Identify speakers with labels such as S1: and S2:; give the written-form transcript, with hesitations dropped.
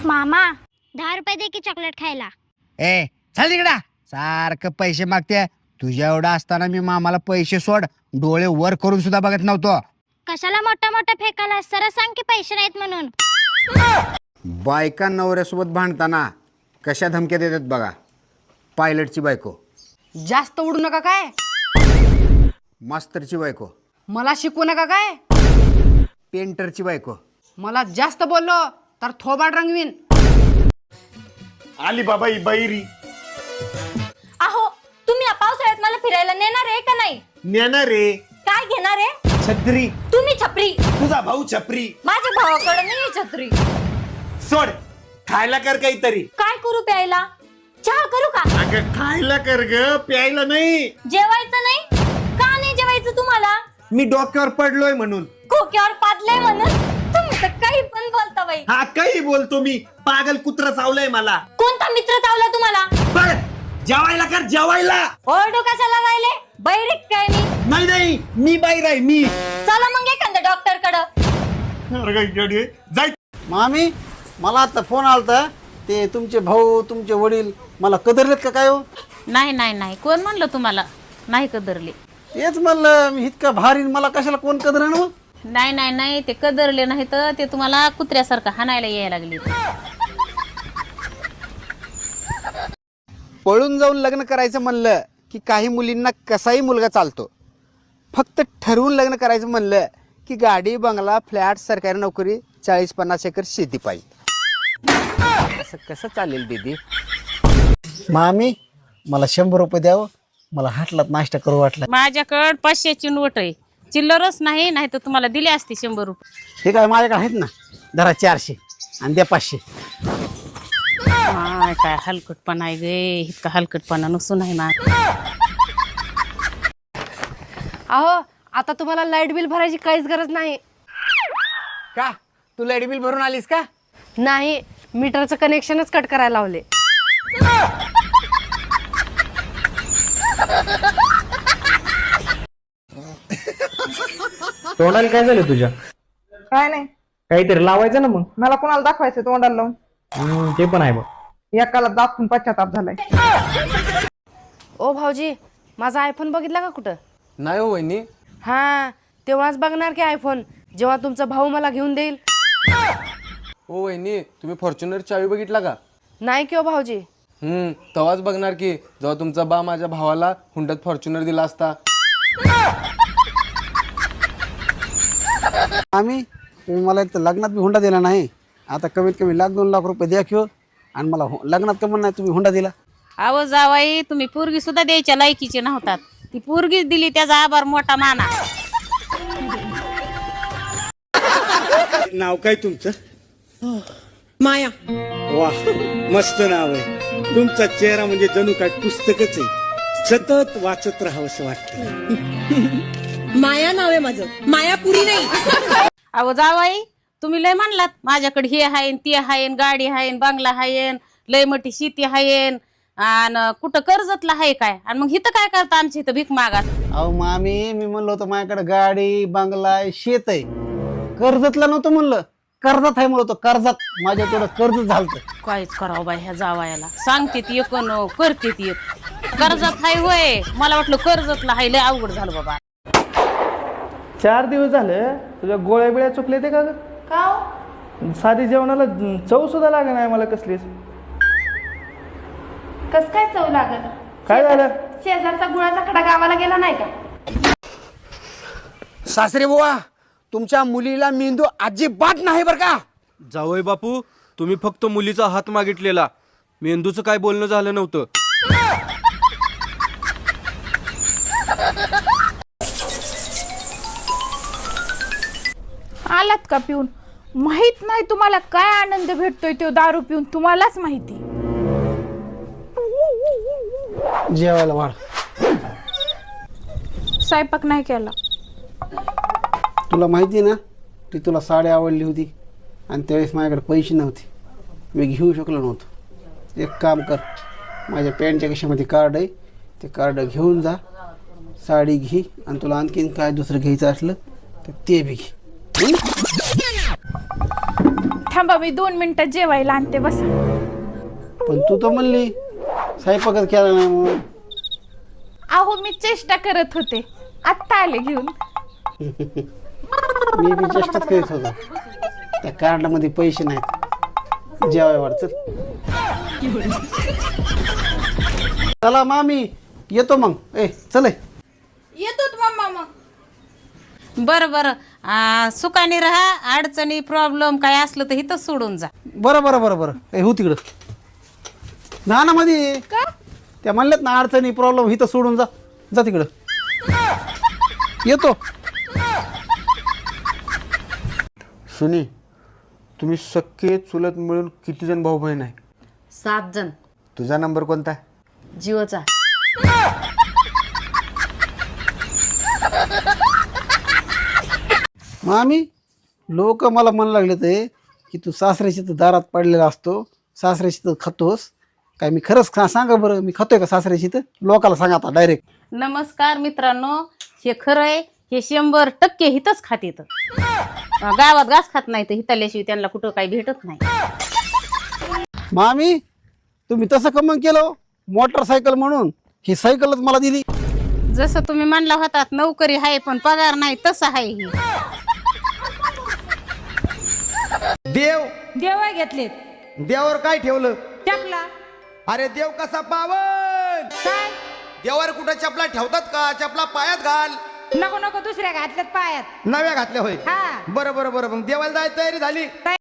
S1: मामा 10 रुपये दे की चॉकलेट खायला.
S2: ए चल तिकडा, सारखं पैसे मागते. तुझ्या एवढा असताना मी मामाला पैसे सोड डोळे वर करून सुद्धा बघत नव्हतो.
S1: कशाला मोठा मोठा फेकायला, सरळ सांग की पैसे नाहीत म्हणून.
S2: बायका नवऱ्यासोबत भांडताना कशा धमक्या देतात बघा. पायलटची बायको,
S3: जास्त उडू नका काय,
S2: मास्तरची बायको,
S3: मला शिकवू नका काय,
S2: पेंटरची बायको.
S3: मला जास्त बोललो तर थोबाड रंगवीन.
S4: आली बाबा ही बैरी.
S5: अहो तुम्ही या पावसाळ्यात मला फिरायला नेणार आहे का नाही?
S4: नेणार रे.
S5: काय घेणार आहे?
S4: छत्री.
S5: तुम्ही छपरी,
S4: तुझा भाऊ छपरी.
S5: माझ्या भावाकडे नाही छत्री.
S4: सोड, खायला कर काहीतरी.
S5: काय करू प्यायला? चहा करू का?
S4: अगं खायला कर ग, प्यायला नाही.
S5: जेवायचं नाही का? नाही जेवायचं तुम्हाला?
S4: मी डोक्यावर पडलोय म्हणून.
S5: खोक्यावर पाडलंय म्हणून तुम्ही तर काही पण बोलता बाई.
S4: हा काही बोलतो मी, पागल कुत्रा चावलंय मला.
S5: कोणता मित्र चावला तुम्हाला?
S4: बघ, जेवायला कर जेवायला.
S5: ओरडू कशाला राहिले? बैरिक काय मी?
S4: नाही नाही, मी बाहेर आहे मी.
S5: चला मग एखाद्या डॉक्टर कडे.
S4: जाय.
S6: मामी मला आता फोन आलता, ते तुमचे भाऊ तुमचे वडील मला कदरलेत का काय हो?
S7: नाही नाही नाही, कोण म्हणलं तुम्हाला नाही कदरले?
S6: तेच म्हणलं मी इतका भारी, मला कशाला कोण कदरेन हो?
S7: नाही नाही नाही, ते कदरले नाही तर ते तुम्हाला कुत्र्यासारखं हाणायला यायला लागले.
S2: पळून जाऊन लग्न करायचं म्हणलं की काही मुलींना कसाही मुलगा चालतो. फक्त ठरवून लग्न करायचं म्हणलं की गाडी, बंगला, फ्लॅट, सरकारी नोकरी, 40-50 एकर शेती पाहिजे. असं कसं चालेल दीदी?
S6: मामी मला 100 रुपये द्यावं, मला हाटलात नाश्ता करू वाटला.
S7: माझ्याकडं 500ची नोट आहे, चिल्लरच नाही, नाही तर तुम्हाला दिले असते 100 रुपये.
S6: हे काय माझ्याकडे आहेत ना, धरा 400 आणि द्या 500.
S7: काय हलकटपणा आहे गे, इतका हलकटपणा नसून आहे ना.
S3: अहो आता तुम्हाला लाईट बिल भरायची काहीच गरज नाही.
S2: का तू लाईट बिल भरून आलीस का?
S3: नाही, मीटरचं कनेक्शनच कट करायला लावले.
S8: तोंडाला काय झालं तुझ्या?
S9: काय नाही,
S8: काहीतरी लावायचं ना मग.
S9: मला कोणाला दाखवायचं तोंडाला लावून?
S8: ते पण आहे बघ.
S9: एकाला दाखवून पश्चाताप झालाय.
S3: ओ भाऊजी, माझा आयफोन बघितला का कुठं?
S6: नाही हो वहिनी.
S3: हा, तेव्हाच बघणार की आयफोन, जेव्हा तुमचा भाऊ मला घेऊन देईल.
S6: हो वहिनी, तुम्ही फॉर्च्युनर चावी बघितला का?
S3: नाही की ओ भाऊजी.
S6: तेव्हाच बघणार की जेव्हा तुमचा बा माझ्या भावाला हुंड्यात फॉर्च्युनर दिला असता. आम्ही तुम्ही मला एक तर लग्नात बी हुंडा दिला नाही, आता कमीत कमी 1-2 लाख रुपये द्या किंवा, आणि मला लग्नात कमन नाही तुम्ही हुंडा दिला.
S7: आवाज जावाई, तुम्ही पोरगी सुद्धा द्यायच्या लायकीचे नव्हतात, ती पोरगीच दिली, त्याचा आभार मोठा माना.
S4: नाव काय तुमचं?
S9: माया.
S4: वा, मस्त नाव आहे तुमचा. चेहरा म्हणजे जणू काय पुस्तकच आहे, सतत वाचत राहावं असं वाटतं.
S9: माया नाव आहे माझं, मायापुरी नाही.
S7: अहो जावाई, तुम्ही लय म्हणलात माझ्याकडे हे हायन ते हायन, गाडी हायन, बंगला हायन, लय मोठी शेती हायन, आणि कुठं कर्जतला हाय काय, आणि मग इथं काय करता आमच्या इथं भीक मागात?
S6: अहो मामी, मी म्हणलो होतं माझ्याकडे गाडी, बंगला, शेत आहे, कर्जतला नव्हतं म्हणलं, कर्जात आहे म्हणलं होतं, कर्जात. माझ्या थोडं कर्ज झालं.
S7: काहीच करावं बाई ह्या जावायाला, सांगते ती एक न करते ती एक. कर्जात हाय होय, मला वाटलं कर्जतला हाय, लय अवघड झालं बाबा.
S8: 4 दिवस झाले तुझ्या गोळ्या बिळ्या चुकले ते का ग? साधी जेवणाला चव सुद्धा लागे नाही मला कसलीच.
S3: कस काय चव लागत?
S8: काय झालं?
S3: शेजारचा गुळाचा खडा गावाला गेला नाही का?
S2: सासरे बुवा, तुमच्या मुलीला मेंदू अजिबात नाही बरं का?
S10: जावई बापू, तुम्ही फक्त मुलीचा हात मागितलेला, मेंदूचं काय बोलणं झालं नव्हतं.
S11: आलात का पिऊन? माहित नाही तुम्हाला काय आनंद भेटतोय तो दारू पिऊन, तुम्हालाच माहिती.
S6: जेवायला वाढ.
S11: स्वयंपाक नाही केला.
S6: तुला माहिती ना, ती तुला साडी आवडली होती आणि त्यावेळेस माझ्याकडे पैसे नव्हते, मी घेऊ शकलो नव्हतो. एक काम कर, माझ्या पॅन्टच्या खिशामध्ये कार्ड आहे, ते कार्ड घेऊन जा, साडी घे, आणि तुला आणखीन काय दुसरं घ्यायचं असलं तर ते बी घे.
S11: थांबा मी 2 मिनिटात जेवायला आणते बसा.
S6: पण तू तर म्हणली स्वयंपाकच केला नाही म्हणून.
S11: अहो मी चेष्टा करत होते, आत्ता आले घेऊन.
S6: मी बी चेष्टाच करीत होतो. त्या कार्डामध्ये पैसे नाहीत, जेवाय वाढत. चला मामी येतो मग. चल
S11: येतो मम्मा मग.
S7: बरं बरं सुखाने राहा, अडचणी प्रॉब्लेम काय असलं तर इथंच सोडून जा.
S6: बरं बरं बरं बरं हो तिकडं जा ना मध्ये. त्या म्हणल्यात ना अडचणी प्रॉब्लेम इथं सोडून जा. जा तिकडं. येतो.
S2: सुनी, तुम्ही सख्खे चुलत मिळून किती जण भाऊ बहीण आहे?
S3: 7 जण.
S2: तुझा नंबर कोणता?
S3: जिओचा.
S6: मामी लोक मला म्हणू लागले ते की तू सासऱ्याची तर दारात पडलेला असतो, सासऱ्याची तर खातोस. काय मी खरंच सांगा बरं, मी खातोय का सासऱ्याची? तर लोकाला सांगा आता डायरेक्ट.
S7: नमस्कार मित्रांनो, हे खरं आहे. हे 100% हितच खात येतं. गावात घास खात नाही तर हिताल्याशिवाय त्यांना कुठं काही भेटत नाही.
S6: मामी तुम्ही तसं कमंग केलं मोटरसायकल म्हणून, ही सायकलच मला दिली.
S7: जसं तुम्ही म्हणला होतात नोकरी आहे पण पगार नाही, तसं आहे ही.
S9: देव घेतलेत.
S4: देवावर काय ठेवलं?
S9: चपला.
S4: अरे देव कसा पावन?
S9: काय
S4: देवावर कुठं चपला ठेवतात का? चपला पायात घाल.
S9: नको नको दुसऱ्या घातल्यात पायात.
S4: नव्या घातल्या होय.
S9: हा.
S4: बरं बरं बरं, मग देवाला जायची तयारी झाली?